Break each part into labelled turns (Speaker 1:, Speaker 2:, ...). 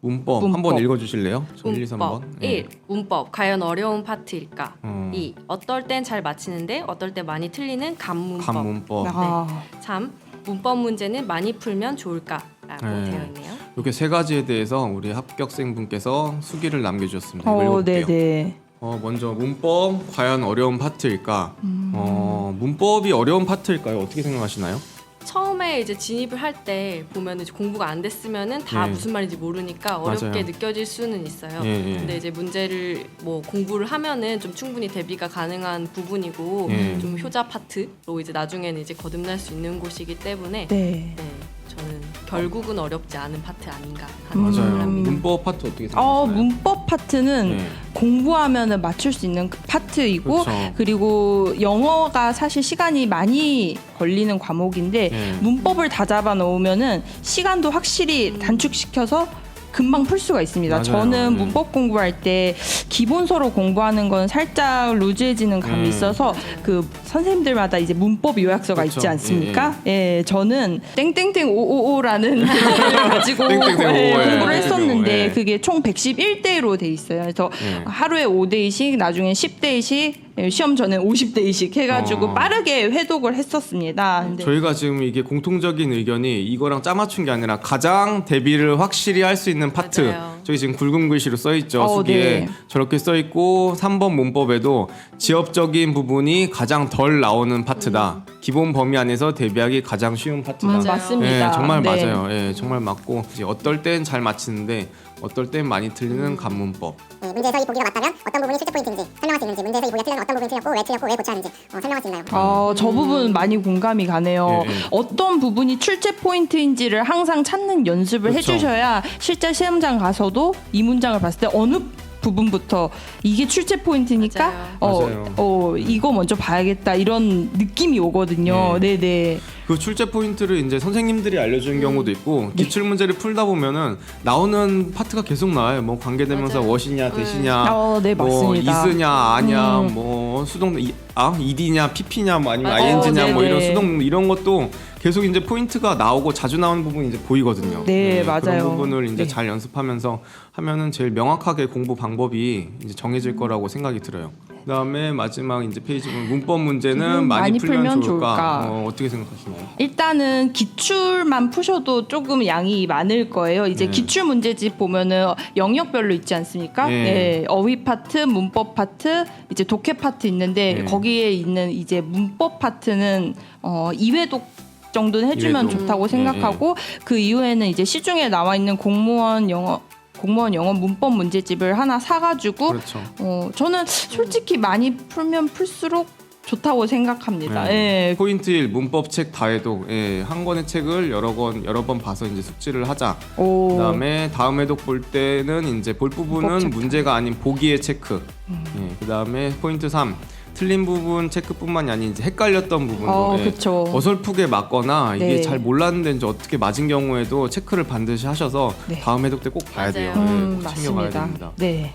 Speaker 1: 문법 한번 읽어주실래요? 1, 2, 3번.
Speaker 2: 1. 문법. 과연 어려운 파트일까? 2. 어떨 땐 잘 맞히는데 어떨 때 많이 틀리는 간문법.
Speaker 1: 간문법.
Speaker 3: 아.
Speaker 2: 3. 문법 문제는 많이 풀면 좋을까? 라고 되어 있네요.
Speaker 1: 이렇게 세 가지에 대해서 우리 합격생분께서 수기를 남겨주셨습니다. 이거 읽어볼게요.
Speaker 3: 네네.
Speaker 1: 먼저 문법 과연 어려운 파트일까? 문법이 어려운 파트일까요? 어떻게 생각하시나요?
Speaker 2: 처음에 이제 진입을 할 때 보면 이제 공부가 안 됐으면은 다
Speaker 1: 예.
Speaker 2: 무슨 말인지 모르니까 어렵게
Speaker 1: 맞아요.
Speaker 2: 느껴질 수는 있어요.
Speaker 1: 예.
Speaker 2: 근데 이제 문제를 뭐 공부를 하면은 좀 충분히 대비가 가능한 부분이고
Speaker 1: 예.
Speaker 2: 좀 효자 파트로 이제 나중에는 이제 거듭날 수 있는 곳이기 때문에
Speaker 3: 네.
Speaker 2: 저는 결국은 어렵지 않은 파트 아닌가 하는
Speaker 1: 맞아요.
Speaker 2: 생각을 합니다.
Speaker 1: 문법 파트 어떻게 생각하시나요?
Speaker 3: 문법 파트는
Speaker 1: 네.
Speaker 3: 공부하면은 맞출 수 있는 그 파트이고
Speaker 1: 그렇죠.
Speaker 3: 그리고 영어가 사실 시간이 많이 걸리는 과목인데
Speaker 1: 네.
Speaker 3: 문법을 다 잡아 놓으면은 시간도 확실히 단축시켜서 금방 풀 수가 있습니다.
Speaker 1: 맞아요.
Speaker 3: 저는
Speaker 1: 네.
Speaker 3: 문법 공부할 때 기본서로 공부하는 건 살짝 루즈해지는 감이 있어서 그 선생님들마다 이제 문법 요약서가
Speaker 1: 그렇죠.
Speaker 3: 있지 않습니까? 예, 저는 땡땡땡 555라는 를 가지고
Speaker 1: 땡땡땡 555,
Speaker 3: 공부를
Speaker 1: 예.
Speaker 3: 했었는데
Speaker 1: 예.
Speaker 3: 그게 총 111대로 돼 있어요. 그래서
Speaker 1: 예.
Speaker 3: 하루에 5대씩, 나중에 10대씩, 시험 전에 50대씩 해가지고 빠르게 회독을 했었습니다. 근데
Speaker 1: 저희가 지금 이게 공통적인 의견이 이거랑 짜맞춘 게 아니라 가장 대비를 확실히 할 수 있는 파트.
Speaker 2: 맞아요.
Speaker 1: 저기 지금 굵은 글씨로 써 있죠. 수기에
Speaker 3: 네.
Speaker 1: 저렇게 써 있고 3번 문법에도 지엽적인 부분이 가장 덜 나오는 파트다. 기본 범위 안에서 대비하기 가장 쉬운 파트다.
Speaker 2: 맞아요.
Speaker 3: 맞습니다.
Speaker 1: 예, 정말
Speaker 3: 네.
Speaker 1: 맞아요. 예, 정말 맞고 이제 어떨 땐 잘 맞히는데 어떨 땐 많이 틀리는 간문법.
Speaker 4: 네, 문제에서 이 보기가 맞다면 어떤 부분이 실제 포인트인지 설명할 수 있는지, 문제에서 이 보기가 틀리면 어떤 부분이 틀렸고 왜 틀렸고 왜 고쳐야 하는지 설명할 수 있나요?
Speaker 3: 저 부분 많이 공감이 가네요.
Speaker 1: 예, 예.
Speaker 3: 어떤 부분이 출제 포인트인지를 항상 찾는 연습을
Speaker 1: 그렇죠.
Speaker 3: 해주셔야 실제 시험장 가서도 이 문장을 봤을 때 어느 부분부터 이게 출제 포인트니까
Speaker 1: 맞아요.
Speaker 3: 이거 먼저 봐야겠다 이런 느낌이 오거든요.
Speaker 1: 네.
Speaker 3: 네네.
Speaker 1: 그 출제 포인트를 이제 선생님들이 알려주는 경우도 있고 기출 문제를 풀다 보면은 나오는 파트가 계속 나와요. 뭐 관계대명사
Speaker 2: 맞아요.
Speaker 1: what이냐 대시냐,
Speaker 3: 네,
Speaker 1: 뭐
Speaker 3: 맞습니다.
Speaker 1: is냐 아냐, 뭐 수동 ed냐 pp냐, 뭐 아니면
Speaker 2: 맞아요.
Speaker 1: ing냐, 뭐 이런
Speaker 3: 네네.
Speaker 1: 수동 이런 것도 계속 이제 포인트가 나오고 자주 나오는 부분이 이제 보이거든요.
Speaker 3: 네,
Speaker 1: 그런
Speaker 3: 맞아요.
Speaker 1: 부분을 이제
Speaker 3: 네.
Speaker 1: 잘 연습하면서 하면은 제일 명확하게 공부 방법이 이제 정해질 거라고 생각이 들어요. 그다음에 마지막 이제 페이지 보면 문법 문제는 많이 풀면 좋을까? 어떻게 생각하시나요?
Speaker 3: 일단은 기출만 푸셔도 조금 양이 많을 거예요. 이제
Speaker 1: 네.
Speaker 3: 기출 문제집 보면은 영역별로 있지 않습니까?
Speaker 1: 네.
Speaker 3: 네, 어휘 파트, 문법 파트, 이제 독해 파트 있는데
Speaker 1: 네.
Speaker 3: 거기에 있는 이제 문법 파트는 2회독 정도는 해주면
Speaker 1: 이회독.
Speaker 3: 좋다고 생각하고 그 이후에는 이제 시중에 나와 있는 공무원 영어 문법 문제집을 하나 사가지고
Speaker 1: 그렇죠.
Speaker 3: 저는 솔직히 많이 풀면 풀수록 좋다고 생각합니다.
Speaker 1: 네.
Speaker 3: 예.
Speaker 1: 포인트 1 문법 책 다해독. 한 권의 책을 여러 번 봐서 이제 숙지를 하자.
Speaker 3: 오.
Speaker 1: 그다음에 다음 회독 볼 때는 이제 볼
Speaker 3: 문법
Speaker 1: 부분은
Speaker 3: 체크.
Speaker 1: 문제가 아닌 보기의 체크. 그다음에 포인트 3 틀린 부분 체크뿐만이 아닌 이제 헷갈렸던 부분도
Speaker 3: 그쵸.
Speaker 1: 어설프게 맞거나 이게
Speaker 3: 네.
Speaker 1: 잘 몰랐는데 이제 어떻게 맞은 경우에도 체크를 반드시 하셔서
Speaker 3: 네.
Speaker 1: 다음 회독 때 꼭 봐야 돼요.
Speaker 2: 맞아요.
Speaker 1: 꼭 챙겨가야
Speaker 3: 맞습니다.
Speaker 1: 됩니다.
Speaker 3: 네.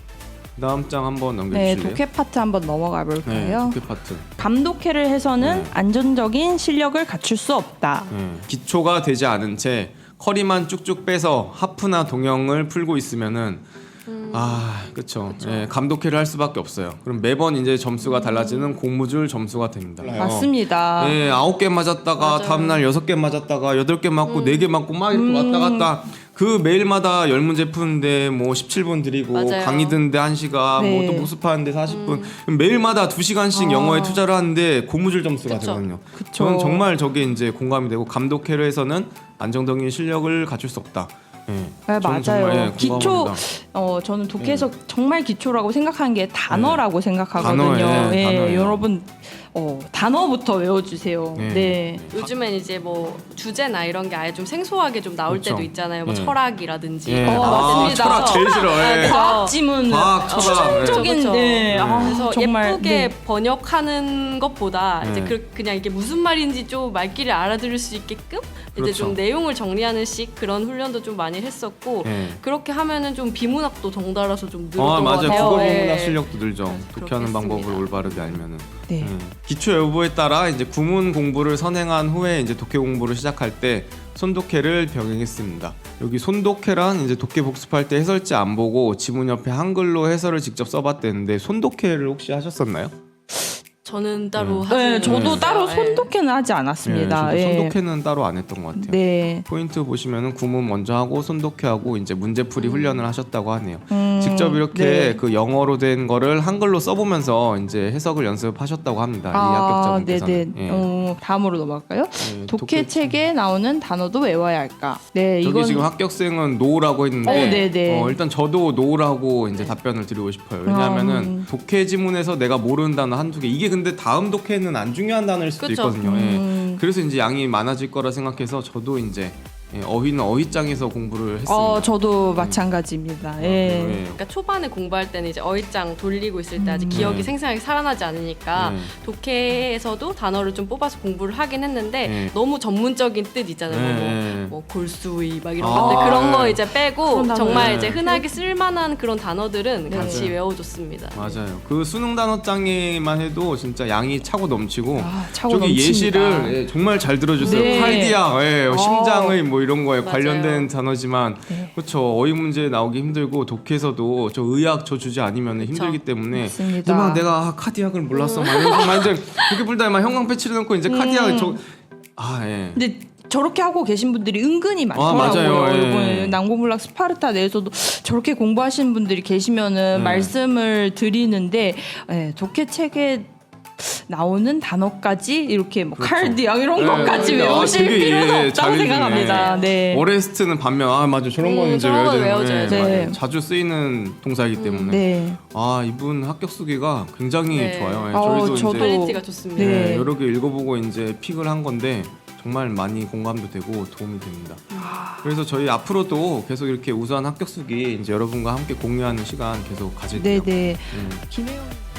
Speaker 1: 다음 장 한번
Speaker 3: 네,
Speaker 1: 넘겨주실래요?
Speaker 3: 독해 파트 한번 넘어가
Speaker 1: 네,
Speaker 3: 볼까요?
Speaker 1: 독해 파트.
Speaker 3: 감독해를 해서는
Speaker 1: 네.
Speaker 3: 안정적인 실력을 갖출 수 없다.
Speaker 1: 기초가 되지 않은 채 커리만 쭉쭉 빼서 하프나 동영을 풀고 있으면은 그렇죠. 감독회를 할 수밖에 없어요. 그럼 매번 이제 점수가 달라지는 공무줄 점수가 됩니다.
Speaker 3: 맞습니다.
Speaker 1: 9개 맞았다가
Speaker 2: 맞아요.
Speaker 1: 다음 날 6개 맞았다가 8개 맞고 4개 맞고 막 이렇게 왔다 갔다. 그 매일마다 10문제 푸는데 뭐 17분 드리고
Speaker 2: 맞아요.
Speaker 1: 강의 듣는데 1시간
Speaker 3: 네.
Speaker 1: 뭐 또 모습하는데 40분 매일마다 2시간씩 영어에 투자를 하는데 고무줄 점수가
Speaker 2: 그쵸.
Speaker 1: 되거든요.
Speaker 3: 그쵸.
Speaker 1: 저는 정말 저게 이제 공감이 되고 감독회로 해서는 안정적인 실력을 갖출 수 없다.
Speaker 3: 네,
Speaker 1: 저는
Speaker 3: 맞아요.
Speaker 1: 정말,
Speaker 3: 기초
Speaker 1: 공감합니다.
Speaker 3: 저는 독해에서 정말 기초라고 생각하는 게 단어라고 생각하거든요.
Speaker 1: 단어예요.
Speaker 3: 여러분 단어부터 외워주세요.
Speaker 1: 네.
Speaker 3: 네.
Speaker 2: 요즘엔 이제 뭐 주제나 이런 게 아예 좀 생소하게 좀 나올
Speaker 1: 그렇죠.
Speaker 2: 때도 있잖아요. 뭐
Speaker 1: 네.
Speaker 2: 철학이라든지.
Speaker 3: 맞습니다.
Speaker 1: 철학 제일 싫어요.
Speaker 3: 과학 지문,
Speaker 1: 과학, 철학.
Speaker 3: 추정적인
Speaker 2: 그쵸.
Speaker 3: 네.
Speaker 2: 그래서
Speaker 3: 정말
Speaker 2: 예쁘게
Speaker 3: 네.
Speaker 2: 번역하는 것보다
Speaker 1: 네.
Speaker 2: 이제 그냥 이게 무슨 말인지 좀 말귀를 알아들을 수 있게끔 이제
Speaker 1: 그렇죠.
Speaker 2: 좀 내용을 정리하는 식 그런 훈련도 좀 많이 했었고
Speaker 1: 네.
Speaker 2: 그렇게 하면은 좀 비문학도 덩달아서 좀 늘었던 것
Speaker 1: 맞아요.
Speaker 2: 같아요.
Speaker 1: 국어
Speaker 2: 예.
Speaker 1: 본문학 실력도 늘죠.
Speaker 2: 그렇게
Speaker 1: 독해하는 방법을
Speaker 2: 했습니다.
Speaker 1: 올바르게 알면은.
Speaker 3: 네.
Speaker 1: 기초 여부에 따라 이제 구문 공부를 선행한 후에 이제 독해 공부를 시작할 때 손독해를 병행했습니다. 여기 손독해란 이제 독해 복습할 때 해설지 안 보고 지문 옆에 한글로 해설을 직접 써봤대는데 손독해를 혹시 하셨었나요?
Speaker 2: 저는 따로
Speaker 3: 네,
Speaker 2: 하지는
Speaker 3: 저도
Speaker 2: 않았어요.
Speaker 3: 따로
Speaker 2: 예.
Speaker 3: 손독해는 하지 않았습니다.
Speaker 1: 네, 저도
Speaker 3: 예.
Speaker 1: 손독해는 따로 안 했던 것 같아요.
Speaker 3: 네.
Speaker 1: 포인트 보시면은 구문 먼저 하고 손독해하고 이제 문제풀이 훈련을 하셨다고 하네요.
Speaker 3: 음,
Speaker 1: 직접 이렇게
Speaker 3: 네.
Speaker 1: 그 영어로 된 거를 한글로 써보면서 이제 해석을 연습하셨다고 합니다. 이 합격자분께서는.
Speaker 3: 네네.
Speaker 1: 예.
Speaker 3: 다음으로 넘어갈까요?
Speaker 1: 예,
Speaker 3: 독해 책에 나오는 단어도 외워야 할까? 네,
Speaker 1: 저기
Speaker 3: 이건
Speaker 1: 지금 합격생은 노라고 했는데
Speaker 3: 네네.
Speaker 1: 일단 저도 노라고 이제 답변을 드리고 싶어요. 왜냐하면은 독해 지문에서 내가 모르는 단어 한두 개 이게 근데 다음 독해는 안 중요한 단어일 수도
Speaker 2: 그쵸.
Speaker 1: 있거든요. 예. 그래서 이제 양이 많아질 거라 생각해서 저도 이제 어휘는 어휘장에서 공부를 했습니다.
Speaker 3: 저도 마찬가지입니다. 예.
Speaker 1: 예.
Speaker 2: 그러니까 초반에 공부할 때는 이제 어휘장 돌리고 있을 때 아직 기억이
Speaker 1: 네.
Speaker 2: 생생하게 살아나지 않으니까
Speaker 1: 네.
Speaker 2: 독해에서도 단어를 좀 뽑아서 공부를 하긴 했는데
Speaker 1: 네.
Speaker 2: 너무 전문적인 뜻 있잖아요.
Speaker 1: 네.
Speaker 2: 뭐 골수의 막 이런
Speaker 1: 아,
Speaker 2: 것들 그런 거
Speaker 1: 네.
Speaker 2: 이제 빼고
Speaker 3: 그런 단어.
Speaker 2: 정말
Speaker 1: 네.
Speaker 2: 이제 흔하게 쓸만한 그런 단어들은
Speaker 3: 네.
Speaker 2: 같이
Speaker 1: 맞아요.
Speaker 2: 외워줬습니다.
Speaker 1: 맞아요. 그 수능 단어장에만 해도 진짜 양이 차고 넘치고
Speaker 3: 차고
Speaker 1: 저기
Speaker 3: 넘칩니다.
Speaker 1: 예시를 정말 잘 들어주세요.
Speaker 3: 네.
Speaker 1: 칼디아, 심장의 뭐 이런 거에
Speaker 2: 맞아요.
Speaker 1: 관련된 단어지만
Speaker 3: 네.
Speaker 1: 그렇죠. 어휘 문제 나오기 힘들고 독해서도 저 의학 저 주제 아니면 힘들기 때문에
Speaker 3: 맞습니다.
Speaker 1: 막 내가 카디악을 몰랐어. 막 이러면서 막 이제 독해 풀다 막 형광 패치를 넣고 이제 카디악 예.
Speaker 3: 근데 저렇게 하고 계신 분들이 은근히 많더라고요.
Speaker 1: 맞아요. 예.
Speaker 3: 이번에 난공불락 스파르타 내에서도 저렇게 공부하시는 분들이 계시면은 말씀을 드리는데 독해 책에 나오는 단어까지 이렇게 뭐
Speaker 1: 그렇죠.
Speaker 3: 칼디앙 이런
Speaker 1: 네,
Speaker 3: 것까지
Speaker 1: 네.
Speaker 3: 외우실
Speaker 1: 되게,
Speaker 3: 필요는
Speaker 1: 잘
Speaker 3: 없다고
Speaker 1: 해주네.
Speaker 3: 생각합니다. 네.
Speaker 1: 오레스트는 반면 맞아 저런 거는 이제
Speaker 2: 저런 거
Speaker 1: 외워야
Speaker 2: 외워줘야죠.
Speaker 1: 되는
Speaker 3: 네.
Speaker 1: 맞아요. 자주 쓰이는 동사이기 때문에
Speaker 3: 네.
Speaker 1: 이분 합격 수기가 굉장히
Speaker 2: 네.
Speaker 1: 좋아요. 예,
Speaker 3: 저도
Speaker 1: 이제
Speaker 2: 퀄리티가 좋습니다.
Speaker 3: 네.
Speaker 1: 여러 개 읽어보고 이제 픽을 한 건데 정말 많이 공감도 되고 도움이 됩니다. 그래서 저희 앞으로도 계속 이렇게 우수한 합격 수기 이제 여러분과 함께 공유하는 시간 계속 가질게요.
Speaker 3: 네, 네.
Speaker 1: 음.
Speaker 3: 김혜영